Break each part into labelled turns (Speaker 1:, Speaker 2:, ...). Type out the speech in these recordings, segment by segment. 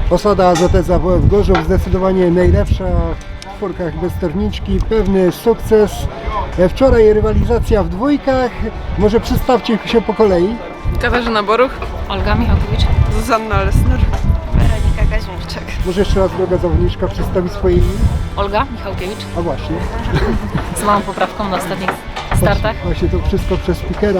Speaker 1: Osada AZS AWF Gorzów zdecydowanie najlepsza w czwórkach bez sterniczki, pewny sukces. Wczoraj rywalizacja w dwójkach, może przedstawcie się po kolei.
Speaker 2: Katarzyna Boruch,
Speaker 3: Olga Michałkiewicz,
Speaker 2: Zuzanna Lesner,
Speaker 4: Weronika Kaźmierczak.
Speaker 1: Może jeszcze raz druga zawodniczka przedstawi swoje imię?
Speaker 3: Olga Michałkiewicz,
Speaker 1: A właśnie,
Speaker 3: z małą poprawką na ostatnich startach.
Speaker 1: właśnie to wszystko przez speakera.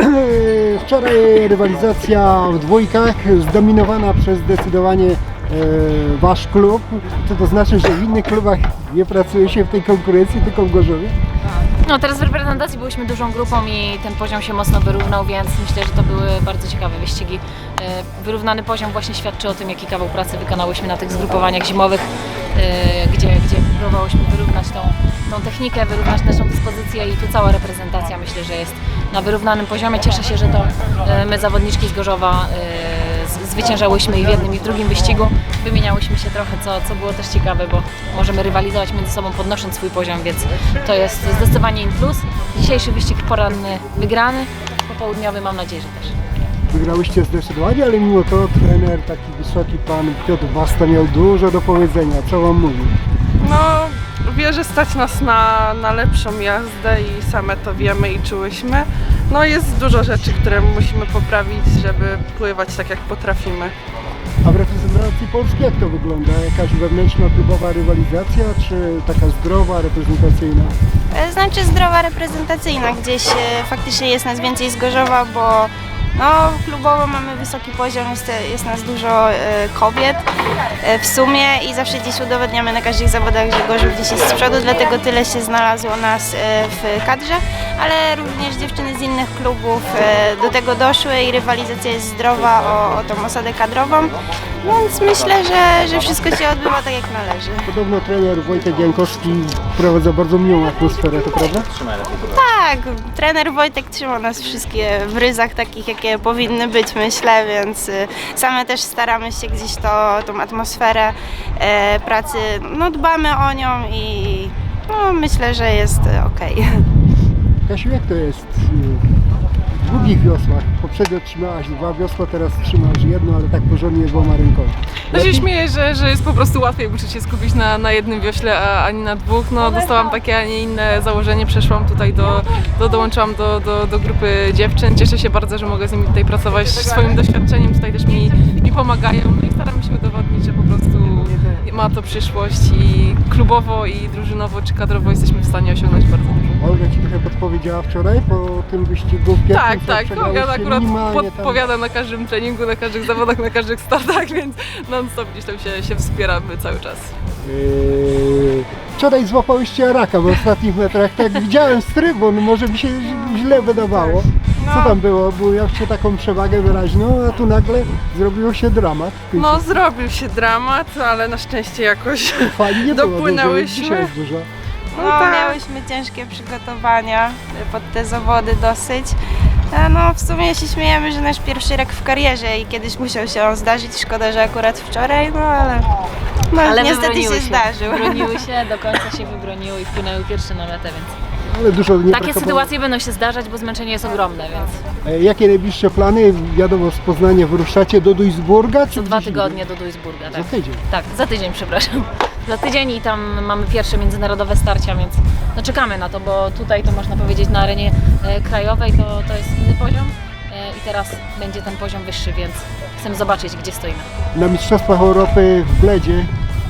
Speaker 1: Wczoraj rywalizacja w dwójkach zdominowana przez zdecydowanie wasz klub. Co to znaczy, że w innych klubach nie pracuje się w tej konkurencji, tylko w Gorzowie?
Speaker 3: No teraz w reprezentacji byliśmy dużą grupą i ten poziom się mocno wyrównał, więc myślę, że to były bardzo ciekawe wyścigi. Wyrównany poziom właśnie świadczy o tym, jaki kawał pracy wykonałyśmy na tych zgrupowaniach zimowych, gdzie próbowałyśmy wyrównać tą technikę, wyrównać naszą dyspozycję i tu cała reprezentacja myślę, że jest na wyrównanym poziomie. Cieszę się, że to my zawodniczki z Gorzowa zwyciężałyśmy i w jednym i w drugim wyścigu. Wymieniałyśmy się trochę, co było też ciekawe, bo możemy rywalizować między sobą podnosząc swój poziom, więc to jest zdecydowanie in plus. Dzisiejszy wyścig poranny wygrany, popołudniowy mam nadzieję, że też.
Speaker 1: Wygrałyście zdecydowanie, ale mimo to trener, taki wysoki pan Piotr Wasta miał dużo do powiedzenia. Co wam mówił?
Speaker 2: no wie, że stać nas na lepszą jazdę i same to wiemy i czułyśmy. No jest dużo rzeczy, które musimy poprawić, żeby pływać tak jak potrafimy.
Speaker 1: A w reprezentacji Polski jak to wygląda? Jakaś wewnętrzna klubowa rywalizacja, czy taka zdrowa, reprezentacyjna?
Speaker 4: Znaczy zdrowa reprezentacyjna, gdzieś faktycznie jest nas więcej z Gorzowa, bo no, klubowo mamy wysoki poziom, jest nas dużo kobiet w sumie i zawsze gdzieś udowodniamy na każdych zawodach, że Gorzów gdzieś jest z przodu, dlatego tyle się znalazło nas w kadrze, ale również dziewczyny z innych klubów do tego doszły i rywalizacja jest zdrowa o tą osadę kadrową, więc myślę, że wszystko się odbywa tak jak należy.
Speaker 1: Podobno trener Wojtek Jankowski wprowadza bardzo miłą atmosferę, to prawda?
Speaker 4: Tak, trener Wojtek trzyma nas wszystkie w ryzach takich, jakie powinny być, myślę, więc same też staramy się gdzieś tą atmosferę pracy, no dbamy o nią i no, myślę, że jest okej.
Speaker 1: Kasiu, jak to jest w długich wiosłach? Poprzednio trzymałaś 2 wiosła, teraz trzymasz jedno, ale tak porządnie 2 rękoma.
Speaker 2: No się śmieję, że jest po prostu łatwiej uczyć się skupić na jednym wiośle, a nie na dwóch. No dostałam takie, a nie inne założenie, przeszłam tutaj dołączyłam do grupy dziewczyn. Cieszę się bardzo, że mogę z nimi tutaj pracować. Swoim doświadczeniem tutaj też mi pomagają. No i staram się udowodnić, że po prostu ma to przyszłość i klubowo, i drużynowo, czy kadrowo jesteśmy w stanie osiągnąć bardzo dużo.
Speaker 1: Olga ci trochę podpowiedziała wczoraj po tym wyścigu w pierwszym,
Speaker 2: Tak,
Speaker 1: co
Speaker 2: tak.
Speaker 1: przegrałyście
Speaker 2: Olga akurat
Speaker 1: minimalnie tam.
Speaker 2: podpowiada na każdym treningu, na każdych zawodach, na każdych startach, więc non-stop gdzieś tam się wspieramy cały czas.
Speaker 1: Wczoraj złapałyście raka w ostatnich metrach, tak widziałem z trybun, może mi się źle wydawało. Co tam było? Bo miałście taką przewagę wyraźną, a tu nagle zrobił się dramat.
Speaker 2: No zrobił się dramat, ale na szczęście jakoś
Speaker 1: Fali nie było dużo,
Speaker 2: dopłynęłyśmy.
Speaker 1: dzisiaj jest dużo.
Speaker 4: No,
Speaker 2: tak.
Speaker 4: miałyśmy ciężkie przygotowania pod te zawody dosyć. No w sumie się śmiejemy, że nasz pierwszy rok w karierze i kiedyś musiał się on zdarzyć. Szkoda, że akurat wczoraj, no ale niestety się
Speaker 3: wybroniły
Speaker 4: zdarzył.
Speaker 3: Wybroniły się, do końca się wybroniły i wpłynęły pierwsze na metę, więc
Speaker 1: Ale dużo nie
Speaker 3: takie
Speaker 1: brakowało.
Speaker 3: sytuacje będą się zdarzać, bo zmęczenie jest ogromne, więc
Speaker 1: Jakie najbliższe plany? Wiadomo, z Poznania wyruszacie do Duisburga? Czy
Speaker 3: co 2
Speaker 1: gdzieś
Speaker 3: tygodnie do Duisburga.
Speaker 1: indziej?
Speaker 3: Tak.
Speaker 1: Za tydzień.
Speaker 3: Tak, za tydzień, przepraszam. Za tydzień i tam mamy pierwsze międzynarodowe starcia, więc no czekamy na to, bo tutaj to można powiedzieć na arenie krajowej to jest inny poziom i teraz będzie ten poziom wyższy, więc chcemy zobaczyć, gdzie stoimy.
Speaker 1: Na Mistrzostwach Europy w Bledzie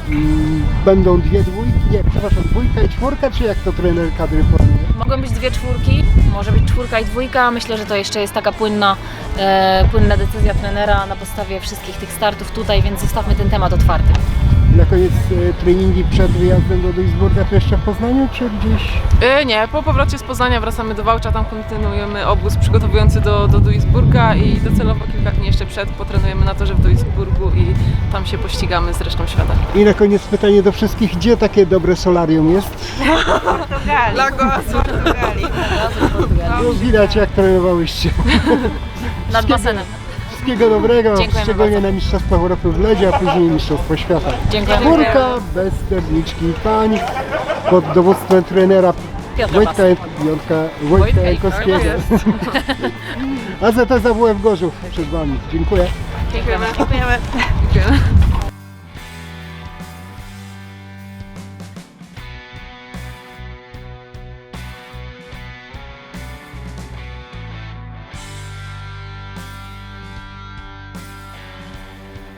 Speaker 1: będą 2 dwójki, nie, przepraszam, 2 i 4, czy jak to trener kadry planuje?
Speaker 3: Mogą być 2 czwórki, może być 4 i 2. Myślę, że to jeszcze jest taka płynna decyzja trenera na podstawie wszystkich tych startów tutaj, więc zostawmy ten temat otwarty.
Speaker 1: Na koniec treningi przed wyjazdem do Duisburga to jeszcze w Poznaniu, czy gdzieś?
Speaker 2: Nie, po powrocie z Poznania wracamy do Wałcza, tam kontynuujemy obóz przygotowujący do Duisburga i docelowo kilka dni jeszcze przed potrenujemy na torze w Duisburgu i tam się pościgamy z resztą świata.
Speaker 1: I na koniec pytanie do wszystkich, gdzie takie dobre solarium jest?
Speaker 4: Portugalii.
Speaker 2: Lago Azur.
Speaker 4: Portugalii.
Speaker 1: No, widać jak trenowałyście.
Speaker 3: Nad basenem.
Speaker 1: Wszystkiego dobrego,
Speaker 3: Dziękujemy
Speaker 1: szczególnie
Speaker 3: bardzo.
Speaker 1: na Mistrzostwach Europy w Bledzie, a później Mistrzostwo Świata.
Speaker 3: Dziękujemy.
Speaker 1: Czwórka bez sterniczki pań pod dowództwem trenera
Speaker 3: Piotra
Speaker 1: Wojtka
Speaker 2: Wojtka
Speaker 1: Jankowskiego.
Speaker 2: jest.
Speaker 1: AZS AWF Gorzów przed Wami. Dziękuję.
Speaker 2: Dziękujemy.
Speaker 4: Dziękujemy.
Speaker 2: Dziękujemy.